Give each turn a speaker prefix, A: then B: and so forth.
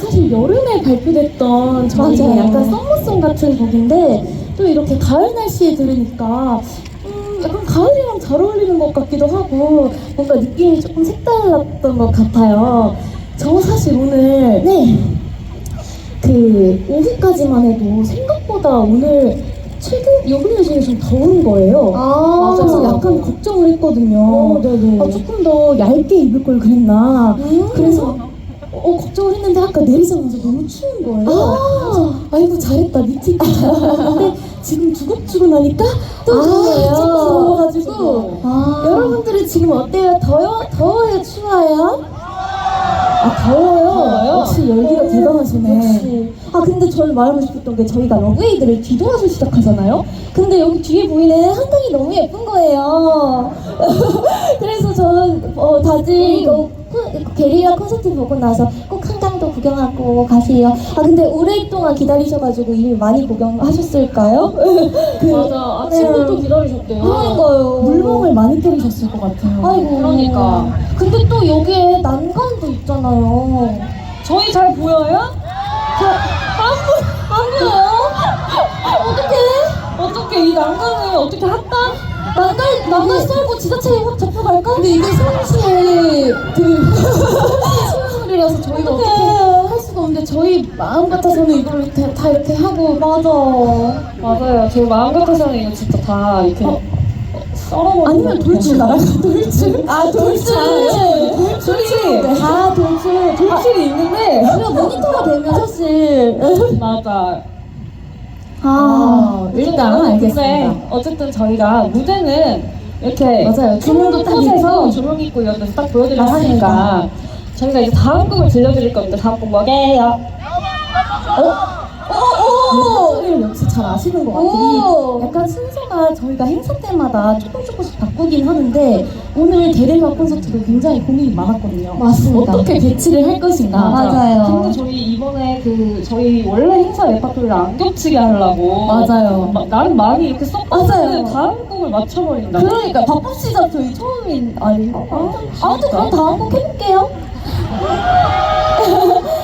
A: 사실 여름에 발표됐던 저희
B: 맞아요.
A: 약간 썸머송 같은 곡인데 또 이렇게 가을 날씨에 들으니까 약간 가을이랑 잘 어울리는 것 같기도 하고 뭔가 느낌이 조금 색달랐던 것 같아요. 저 사실 오늘 그 오후까지만 해도 생각보다 오늘 최근 여름 중에 좀 더운 거예요. 그래서 약간 걱정을 했거든요. 조금 더 얇게 입을 걸 그랬나. 그래서 걱정을 했는데 아까 내리자마자 너무 추운 거예요. 그래서 아이고 잘했다, 니트 입고 잘 입었는데 지금 두껍주고나니까 또 더워요. 더워가지고 여러분들은 지금 어때요? 더워요? 추워요? 더워요? 역시 열기가 대단하시네.
B: 역시. 근데 저는 말하고 싶었던 게 저희가 러브웨이드를 뒤돌아서 시작하잖아요? 근데 여기 뒤에 보이는 한강이 너무 예쁜 거예요. 그래서 저는 다들 이거 게릴라 콘서트 보고 나서 꼭 한강도 구경하고 가세요. 근데 오랫동안 기다리셔가지고 이미 많이 구경하셨을까요?
C: 맞아. 아침부터 기다리셨대요.
B: 그러니까요.
A: 물멍을 많이 때리셨을 것 같아요.
B: 아이고.
C: 그러니까.
B: 근데 또 여기에 난간도 있잖아요.
C: 저희 잘 보여요?
B: 안 보여요?
C: 어떻게 이 난간을 어떻게 핫다?
B: 난간 썰고 지자체에 확 잡혀갈까?
A: 근데 이게 서울시의 시민소리라서 저희가 어떻게 할 수가 없는데 저희 마음 같아서는 이걸 다 이렇게 하고
C: 맞아요. 제 마음 같아서는 이거 진짜 다 이렇게 썰어버리고
A: 아니면 돌출 나갈까? 돌출?
C: 돌출이 있는데
B: 우리가 모니터가 되면 사실
C: 맞아.
A: 일단 알겠습니다.
C: 근데 어쨌든 저희가 무대는 이렇게
A: 맞아요. 조명도 딱
C: 곳에서
A: 있고.
C: 조명 있고 이런 데서 딱 보여드리려 하니까 저희가 이제 다음 곡을 들려드릴 겁니다. 다음 곡 뭐게요?
A: 소리를 역시 잘 아시는 것 같으니 약간 순서가 저희가 행사 때마다 조금씩 바꾸긴 하는데 오늘 게릴라 콘서트도 굉장히 고민이 많았거든요.
B: 맞습니다.
A: 어떻게 배치를 할 것인가.
B: 맞아요.
C: 근데 저희 이번에 저희 원래 행사 레파토리를 안 겹치게 하려고
A: 맞아요.
C: 나름 많이 이렇게
A: 맞아요.
C: 섞었는데 다음 곡을 맞춰버린다.
A: 그러니까 바쁘시죠? 저희 처음인 아닌가?
B: 아무튼 그럼 다음 곡 해볼게요.